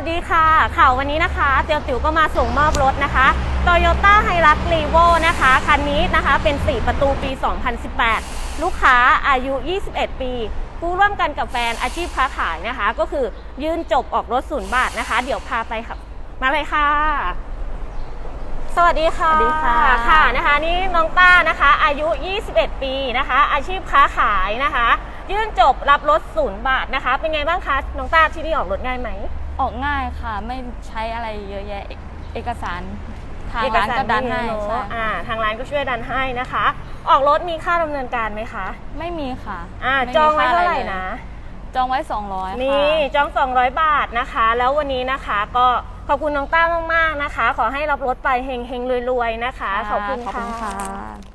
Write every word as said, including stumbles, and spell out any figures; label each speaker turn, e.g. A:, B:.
A: วัสดีค่ะข่าววันนี้นะคะเตียวติ๋วก็มาส่งมอบรถนะคะ Toyota Hilux Revo นะคะคันนี้นะคะเป็นสี่ประตูปี สองพันสิบแปด ลูกค้าอายุ ยี่สิบเอ็ด ปี ผู้ร่วมกันกับแฟนอาชีพค้าขายนะคะก็คือยื่นจบออกรถศูนย์บาทนะคะเดี๋ยวพาไปค่ะมาเลยค่ะสวัสดีค่ะ
B: สวัสดีค่ะ
A: ค่ะนะคะนี่น้องต้านะคะอายุ ยี่สิบเอ็ด ปีนะคะอาชีพค้าขายนะคะยื่นจบรับรถศูนย์บาทนะคะเป็นไงบ้างคะน้องต้าที่นี่ออกรถง่ายไหม
B: ออกง่ายค่ะไม่ใช้อะไรเยอะแยะเอกสารทางร้านก็ดันให้ใช่
A: อ่าทางร้านก็ช่วยดันให้นะคะ ออกรถมีค่าดำเนินการไหมคะ
B: ไม่มีค่ะ
A: อ่าจองไว้เท่าไหร่นะ
B: จองไว้สองร้อยค่ะ
A: นี่จองสองร้อยบาทนะคะแล้ววันนี้นะคะก็ขอบคุณน้องต้ามากๆนะคะขอให้รับรถไปเฮงๆรวยๆนะคะขอบคุณค่ะ